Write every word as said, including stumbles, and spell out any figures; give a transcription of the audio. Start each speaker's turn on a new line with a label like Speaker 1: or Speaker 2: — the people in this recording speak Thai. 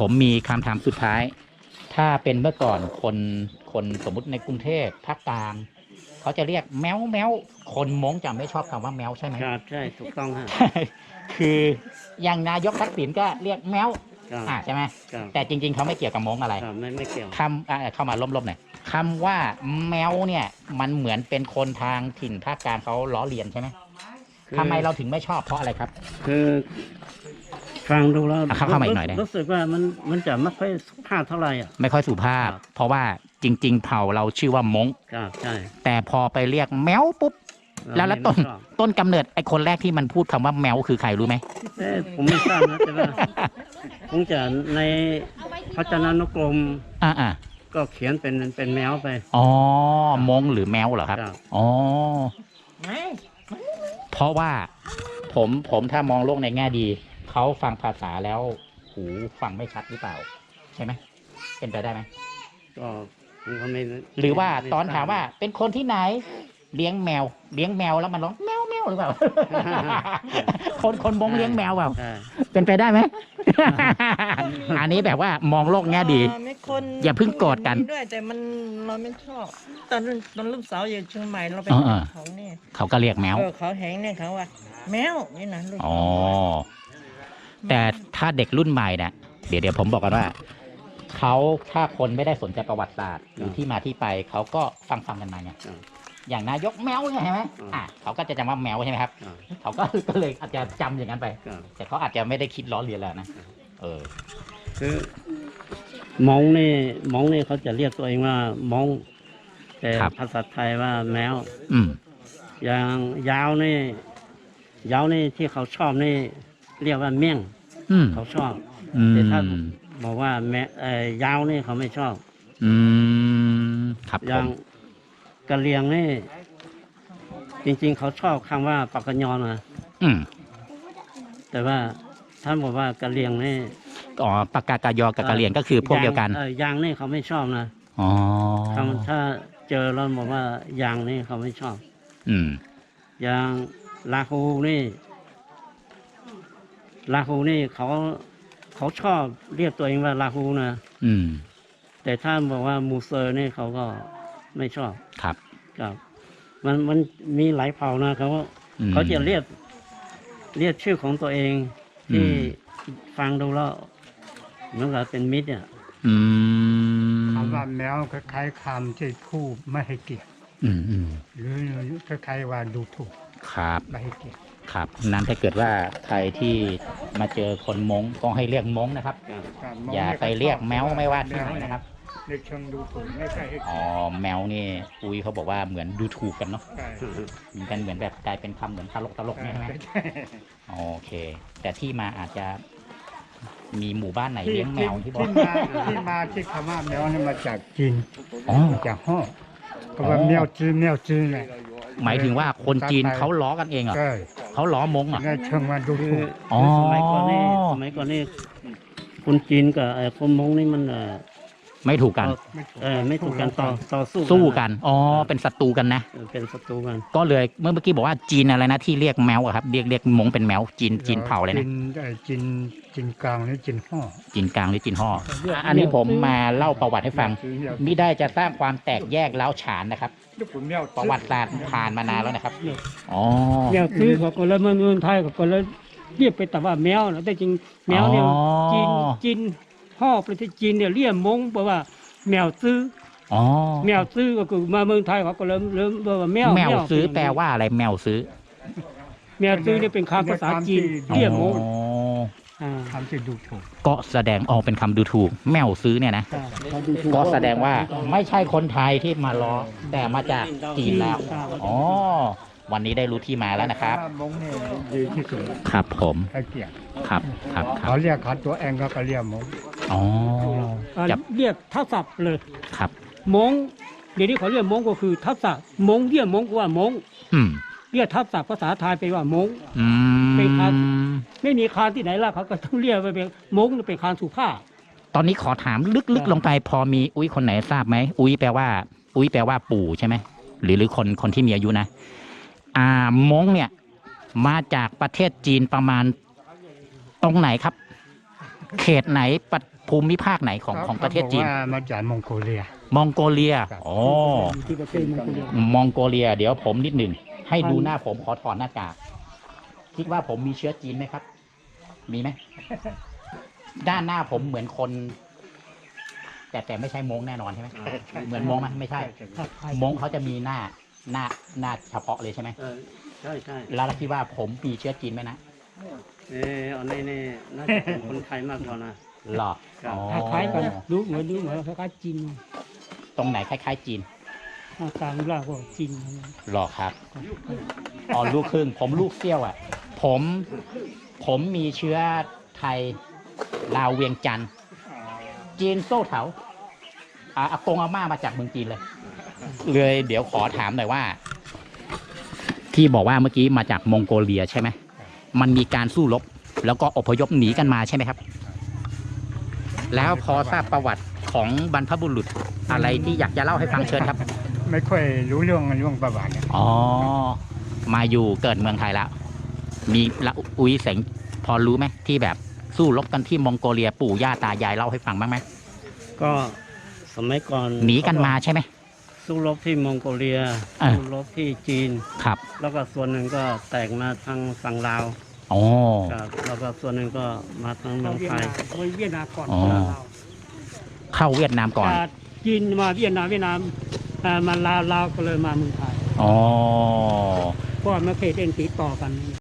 Speaker 1: ผมมีคำถามสุดท้าย ถ้าเป็นเมื่อก่อนคนคนสมมุติในกรุงเทพภาคกลางเขาจะเรียกแมวแมวคนม้งจะไม่ชอบคำว่าแมวใช่ไหม
Speaker 2: ครับใช่ถูกต้องฮะ
Speaker 1: คืออย่างนายกทักษิณก็เรียกแมว
Speaker 2: ครับ
Speaker 1: อ่าใช่ไหม
Speaker 2: ครับ
Speaker 1: แต่จริงๆเขาไม่เกี่ยวกับม้งอะไร
Speaker 2: ครับไม่ไม่เกี่ยว
Speaker 1: คำอ่าเข้ามาล้มๆหน่อยคำว่าแมวเนี่ยมันเหมือนเป็นคนทางถิ่นภาคกลางเขาล้อเลียนใช่ไหม
Speaker 2: คือ
Speaker 1: ทำไมเราถึงไม่ชอบเพราะอะไรครับ
Speaker 2: คือฟังดูแล้ว
Speaker 1: อ่ะเข้าเข้ามาอีกหน่อยได้
Speaker 2: รู้สึกว่ามันมันจะไม่ค่อยสุภาพเท่าไหร่อ่ะ
Speaker 1: ไม่ค่อยสุภาพ
Speaker 2: ครับ
Speaker 1: เพราะว่าจริง ๆ เผ่าเราชื่อว่ามง
Speaker 2: ครับใช่
Speaker 1: แต่พอไปเรียกแมวปุ๊บ แล้วแล้วต้น
Speaker 2: ไม่ชอบ
Speaker 1: ต้นกำเนิดไอ้คนแรกที่มันพูดคำว่าแมวคือใครรู้ไหม
Speaker 2: เอ๊ะผมไม่ทราบนะแต่ว่าคงจะในพจนานุกรม
Speaker 1: อ่าอ่า
Speaker 2: ก็เขียนเป็นเป็นแมวไป
Speaker 1: อ๋อมงหรือแมวเหรอครับ
Speaker 2: ครับ
Speaker 1: อ๋อเพราะว่าผมผมถ้ามองโลกในแง่ดีเขาฟังภาษาแล้วหูฟังไม่ชัดหรือเปล่า ใช่ไหมเป็นไปได้ไหม
Speaker 2: ก็ผมก็ไม่
Speaker 1: หรือว่า
Speaker 2: ไ
Speaker 1: ตอนถามว่าเป็นคนที่ไหนเลี้ยงแมว เลี้ยงแมวแล้วมันร้องแมวแมวหรือเปล่า คนคนมงเลี้ยงแมวเปล่า
Speaker 2: ใช่
Speaker 1: เป็นไปได้ไหม อันนี้แบบว่ามองโลกแง่ดี
Speaker 3: เอ่อไม่คน
Speaker 1: อย่าเพิ่งโกรธกัน
Speaker 3: มีด้วยแต่มันเราไม่ชอบตอนตอนลูกสาวอยู่เชียงใหม่เราไป
Speaker 1: เออเออ
Speaker 3: เขาเนี่ย
Speaker 1: เขาก็เรียกแมว
Speaker 3: เออเขาแหงเนี่ยเขาว่า แมวนี่นะลูก
Speaker 1: อ๋อ แต่ถ้าเด็กรุ่นใหม่เนี่ยเดี๋ยวเดี๋ยวผมบอกกันว่า เขาถ้าคนไม่ได้สนใจประวัติศาสตร์หรือที่มาที่ไป เขาก็ฟังฟังกันมาเนี่ย
Speaker 2: ครับ
Speaker 1: อย่างนายกแมวเนี่ยใช่ไหม
Speaker 2: อืม
Speaker 1: อ่ะเขาก็จะจำว่าแมวใช่ไหมครับ
Speaker 2: ครับ
Speaker 1: เขาก็ก็เลยอาจจะจำอย่างนั้นไป
Speaker 2: ครับ
Speaker 1: แต่เขาอาจจะไม่ได้คิดล้อเลียนแล้วนะ เออ
Speaker 2: คือมองนี่มองนี่เขาจะเรียกตัวเองว่ามองแต่
Speaker 1: ครับ
Speaker 2: ภาษาไทยว่าแมว
Speaker 1: อืม
Speaker 2: อย่างยาวนี่ยาวนี่ที่เขาชอบนี่เรียกว่าเมี่ยง
Speaker 1: อืม
Speaker 2: เขาชอบ
Speaker 1: อืม
Speaker 2: แต่ถ้าบอกว่าแม่เอ่อยาวนี่เขาไม่ชอบ
Speaker 1: อืม ครับ
Speaker 2: อ
Speaker 1: ผ
Speaker 2: ย่าง
Speaker 1: ม
Speaker 2: กะเหรียงนี่จริง ๆ เขาชอบคำว่าปากกะยอนนะ
Speaker 1: อืม
Speaker 2: แต่ว่าท่านบอกว่ากะเหรียงนี่
Speaker 1: อ๋อปากกากายอกับกะเหรี่ยงก็คือพวกเดียวกัน
Speaker 2: างเออยางนี่เขาไม่ชอบนะ
Speaker 1: อ๋อ
Speaker 2: คำถ้าเจอเราบอกว่ายางนี่เขาไม่ชอบ
Speaker 1: อืม
Speaker 2: อย่างลาฮูนี่ลาฮูนี่เขาเขาชอบเรียกตัวเองว่าลาฮูนะ
Speaker 1: อืม
Speaker 2: แต่ถ้าบอกว่ามูเซอร์นี่เขาก็ไม่ชอบ
Speaker 1: ครับ
Speaker 2: ครับมันมันมีหลายเผ่านะเขา
Speaker 1: อืม
Speaker 2: เขาจะเรียกเรียกชื่อของตัวเองที่
Speaker 1: อืม
Speaker 2: ฟังดูแล้วเหมือนกับเป็นมิตรเนี่ย
Speaker 1: อืม
Speaker 4: คำว่าแมวคล้ายๆคำที่ผู้ไม่ให้เกียรติ
Speaker 1: อืมอืม
Speaker 4: หรือคล้ายๆว่าดูถูก
Speaker 1: ครับ
Speaker 4: ไม่ให้เกียรติ
Speaker 1: ครับ นั้นถ้าเกิดว่าใครที่มาเจอคนมงก็ให้เรียกมงนะครับ
Speaker 2: ครับ
Speaker 1: อย่าไปเรียกแมวไม่ว่าที่ไหนนะครับ
Speaker 4: เรียกเชิงดูถูกไม่ใช่ให้
Speaker 1: อ๋อ แมวนี่อุ้ยเขาบอกว่าเหมือนดูถูกกันเนาะ
Speaker 4: ใช่
Speaker 1: มีกันเหมือนแบบกลายเป็นคำเหมือนตลกตลกๆเนี่ยใช่ไหมโอเค แต่ที่มาอาจจะมีหมู่บ้านไหน
Speaker 4: ที่
Speaker 1: เลี้ยงแม
Speaker 4: ที่
Speaker 1: วที่บอก
Speaker 4: ที่มาที่มาที่คำว่าแมวนี่มาจากจีน
Speaker 1: อ๋อ
Speaker 4: จากฮ่อก็ว่าแมวจีนแมวจีนเนี่ย
Speaker 1: หมายถึงว่าคนจีนเขาล้อกันเองเหรอ
Speaker 4: ใช่
Speaker 1: เขาล้อมงเหรอ
Speaker 4: ในเชิงว่าดู
Speaker 2: คือ
Speaker 4: ถูก
Speaker 1: อ๋อ
Speaker 2: คือสมัยก่อนนี่สมัยก่อนนี่คนจีนกับไอ้คนมงนี่มันเออ
Speaker 1: ไม่ถูกกัน
Speaker 2: เออไม่ถูกกันต่อต่อสู้
Speaker 1: สู้กัน อ๋อ เป็นศัตรูกันนะ
Speaker 2: เออเป็นศัตรูกัน
Speaker 1: ก็เลยเมื่อเมื่อกี้บอกว่าจีนอะไรนะที่เรียกแมวอะครับ เรียกเรียกมงเป็นแมวจีนจีนเผ่าเลยนะ
Speaker 4: จีนไอ้จีนจีนกลางนี่จีนฮ่อ
Speaker 1: จีนกลางหรือจีนห่ออ่ะอันนี้ผมมาเล่าประวัติให้ฟัง มิได้จะสร้างความแตกแยกล้าวฉานนะครับ ประวัติศาสตร์ผ่านมานานแล้วนะครับ อ๋อ
Speaker 5: แมวซื้อเขาก็เลยมาเมืองไทยเขาก็เลยเรียกไปแต่ว่าแมวนะแต่จริงแมวเนี่ย
Speaker 1: อ๋อ
Speaker 5: จีนจีนห่อประเทศจีนเนี่ยเรียกมงเพราะว่าแมวซื้อ
Speaker 1: อ๋อ
Speaker 5: แมวซื้อก็คือมาเมืองไทยเขาก็เริ่มเริ่มว่าแมว
Speaker 1: แมวซื้อ
Speaker 5: เป็น
Speaker 1: แปลว่าอะไรแมวซื้อ
Speaker 5: แมวซื้อเนี่ยเป็นคำภาษาจีนเรียกมง
Speaker 1: อ๋อ
Speaker 5: อ่า
Speaker 4: คำที่ดูถูก
Speaker 1: ก็แสดงออกเป็นคำดูถูก แมวซื้อเนี่ยนะ
Speaker 5: อ่า
Speaker 1: ก็แสดงว่าไม่ใช่คนไทยที่มาล้อแต่มาจากจีนแล้ว อ๋อ วันนี้ได้รู้ที่มาแล้วนะครับ
Speaker 4: ว่ามงเนี่ยดีที่สุด
Speaker 1: ครับผม
Speaker 4: ให้เกียรติ
Speaker 1: ครับครับครั
Speaker 4: เขา
Speaker 1: บ
Speaker 4: เรียกเขาตัวเองก็ก็เรียกมง
Speaker 1: อ๋อ
Speaker 5: อ่า
Speaker 1: จับ
Speaker 5: เรียกทับศัพท์เลย
Speaker 1: ครับ
Speaker 5: มงเดี๋ยวนี้เขาเรียกมงก็คือทับศัพท์มงเรียกมงก็ว่ามง
Speaker 1: อืม
Speaker 5: เรียกทับศัพท์ภาษาไทยไปว่ามง
Speaker 1: อื
Speaker 5: เป็นค
Speaker 1: ม
Speaker 5: ไม่มีคานที่ไหนล่ะเขาก็ต้องเรียกไปเป็นมงเป็นคานสุภาพ
Speaker 1: ตอนนี้ขอถามลึกๆลงไป พอมีอุ้ยคนไหนทราบไหมอุ้ยแปลว่า อุ้ยแปลว่าปู่ใช่ไหมหรือหรือคนคนที่มีอายุนะ อ่ามงเนี่ย มาจากประเทศจีนประมาณตรงไหนครับ เขตไหนประภูมิภาคไหนของของประเทศจีน
Speaker 4: ขาบอกว่ามาจากมองโกเลีย
Speaker 1: มองโกเลีย
Speaker 4: ครับ
Speaker 1: อ๋อ
Speaker 5: อยู่ที่ประเทศมองโกเลีย
Speaker 1: มองโกเลีย เดี๋ยวผมนิดหนึ่ง ให้ดูหน้าผมขอถอดหน้ากาก คิดว่าผมมีเชื้อจีนไหมครับ มีไหม ด้านหน้าผมเหมือนคน แต่แต่ไม่ใช่มงแน่นอนใช่ไหม เหมือนมงไหมไม่ใช่
Speaker 5: ถ้าไทย
Speaker 1: มงเขาจะมีหน้าหน้าหน้าเฉพาะเลยใช่ไหม
Speaker 2: เออใช่ใช่
Speaker 1: แล้วคิดว่าผมมีเชื้อจีนไหมนะ
Speaker 2: เอออันนี้นี่น่าจะเป็นคนไทยมากกว่านะ
Speaker 1: หรอ
Speaker 2: ครับ
Speaker 1: อ๋อ
Speaker 5: คล้ายๆกันดูเหมือนดูเหมือนคล้ายๆจีน
Speaker 1: ตรงไหนคล้ายๆจีน
Speaker 5: หน้าตารูปร่างก็จีน
Speaker 1: หรอครับ อ๋อลูกครึ่ง ผมลูกเซี่ยวอ่ะ ผม ผมมีเชื้อไทยลาวเวียงจันทร์จีนโซ่เถาอาอากงอาม่ามาจากเมืองจีนเลย เลยเดี๋ยวขอถามหน่อยว่า ที่บอกว่าเมื่อกี้มาจากมองโกเลียใช่ไหม มันมีการสู้รบ แล้วก็อพยพหนีกันมาใช่ไหมครับ แล้วพอทราบประวัติของบรรพบุรุษอะไรที่อยากจะเล่าให้ฟังเชิญครับ
Speaker 4: ไม่ค่อยรู้เรื่องเรื่องประวัติเนี่ย
Speaker 1: อ๋อ มาอยู่เกิดเมืองไทยแล้ว มีละอุ้ยเสงพอรู้ไหมที่แบบสู้รบกันที่มองโกเลียปู่ย่าตายายเล่าให้ฟังบ้างไหม
Speaker 2: ก็สมัยก่อน
Speaker 1: หนีกันมาใช่ไหม
Speaker 2: สู้รบที่มองโกเลีย
Speaker 1: อ่า
Speaker 2: สู้รบที่จีน
Speaker 1: ครับ
Speaker 2: แล้วก็ส่วนหนึ่งก็แตกมาทางฝั่งลาว
Speaker 1: อ๋อ
Speaker 2: ครับแล้วก็ส่วนหนึ่งก็มาทางเมื
Speaker 5: เรา
Speaker 2: อง
Speaker 5: เวียด
Speaker 2: ไทย
Speaker 5: นามโดยเวียดนามก่อน
Speaker 1: อ๋อ
Speaker 5: เรา
Speaker 1: เข้าเวียดนามก่อน
Speaker 5: จากจีนมาเวียดนามเวียดนามเอ่อมาลาวลาวก็เลยมาเมืองไทย
Speaker 1: อ๋อ
Speaker 5: เพราะว่าไม่เคยเล่นติดต่อกัน